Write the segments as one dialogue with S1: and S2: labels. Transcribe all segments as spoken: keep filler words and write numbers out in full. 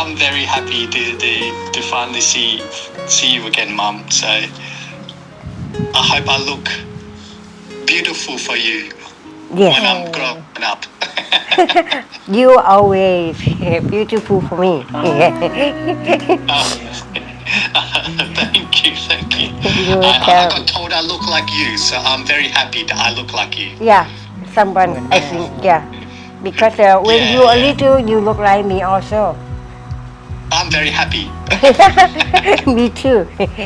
S1: I'm very happy to, to, to finally see see you again, Mum. So I hope I look beautiful for you
S2: Yes.
S1: when I'm grown up.
S2: You always beautiful for me.
S1: Oh, thank you, thank you.
S2: You're
S1: I, I
S2: welcome.
S1: got told I look like you, so I'm very happy that I look like you.
S2: Yeah, someone I think yeah, because uh, when
S1: Yeah,
S2: you are
S1: yeah.
S2: little, you look like me also.
S1: I'm very happy.
S2: Me too.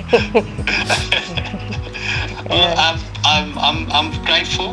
S1: Well, I'm, I'm, I'm, I'm grateful.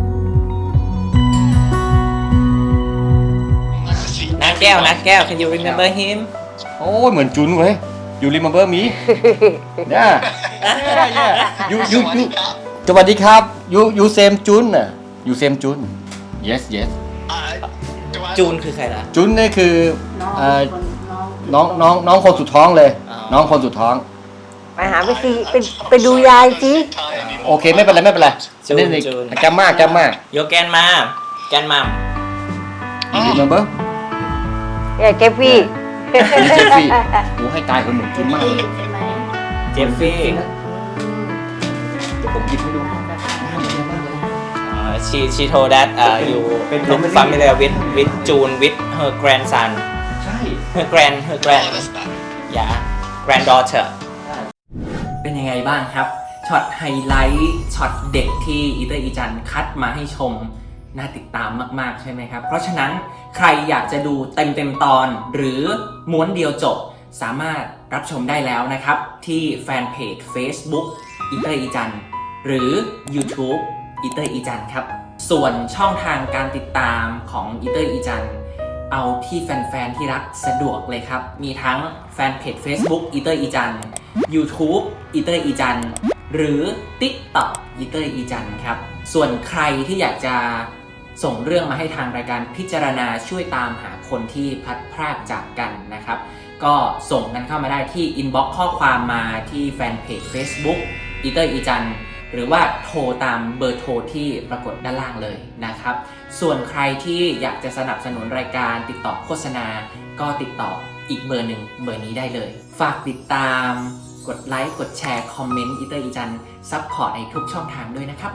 S3: นักแก้วนักแก้ว can you remember him
S4: โอ้ยเหมือนจุนเว้ย you remember me เนี่ย you you you สวัสดีครับ you you same จุนน่ะ you same จุน yes yes
S3: จูนคือใครล่ะ
S4: จุนนี่คือเอ่อน้องน้องน้องคนสุดท้องเลย
S3: อ๋อ
S4: น้องคนสุดท้อง
S2: มาหาไปสิไปไปดูยายสิ
S4: โอเคไม่เป็นไรไม่เป็นไร
S3: จูน
S4: นี่นี่
S3: จูน
S4: จำมากจำมาก
S3: โยแกนมาแกนมัม
S4: you remember
S2: เออเจฟฟี่
S4: มีเจฟฟี่โอ้ให้ตายคนหนึ่งจุนมากเลย
S3: เจฟฟี่
S4: เดี๋ยวผมหยิบให้ดูหน้าเหมือนกันมากเลย
S3: uh, she she told that uh, you look familiar with with June with her grandson
S4: ใช่
S3: her grand her grand
S1: Oh, that's bad.
S3: yeah granddaughter เป็นยังไงบ้างครับ ช็อตไฮไลท์ช็อตเด็กที่อีเตอร์อีจันคัดมาให้ชม น่าติดตามมากๆใช่ไหมครับ เพราะฉะนั้นใครอยากจะดูเต็มเต็มๆตอนหรือม้วนเดียวจบ สามารถรับชมได้แล้วนะครับ ที่แฟนเพจ Facebook อีเตอร์อีจันหรือ YouTube อีเตอร์อีจันครับ ส่วนช่องทางการติดตามของอีเตอร์อีจันเอาที่แฟนๆที่รักสะดวกเลยครับ มีทั้งแฟนเพจ Facebook อีเตอร์อีจัน YouTube อีเตอร์อีจันหรือ TikTok อีเตอร์อีจันครับ ส่วนใครที่อยากจะส่งเรื่องมาให้ทางรายการพิจารณาช่วยตามหาคนที่พลัดพรากจากกันนะครับ ก็ส่งกันเข้ามาได้ที่ inbox ข้อความมาที่แฟนเพจ Facebook อีเตอร์อีจันหรือว่าโทรตามเบอร์โทรที่ปรากฏด้านล่างเลยนะครับ ส่วนใครที่อยากจะสนับสนุนรายการติดต่อโฆษณา ก็ติดต่ออีกเบอร์หนึ่งเบอร์นี้ได้เลย ฝากติดตามกดไลค์กดแชร์คอมเมนต์อีเตอร์อีจันซัพพอร์ตในทุกช่องทางด้วยนะครับ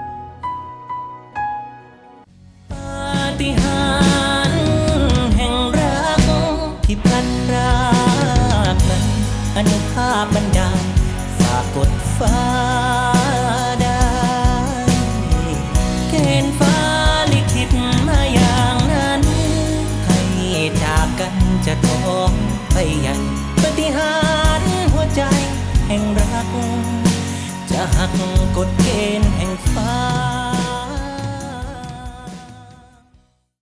S3: ปาฏิหาริย์แห่งรักที่พลันพรากนั้นอนุภาพบันดาลฝากกดฟ้าได้เกณฑ์ฟ้าลิขิตมาอย่างนั้นให้จากกันจะท้องไปยังปาฏิหาริย์หัวใจแห่งรักจะหัก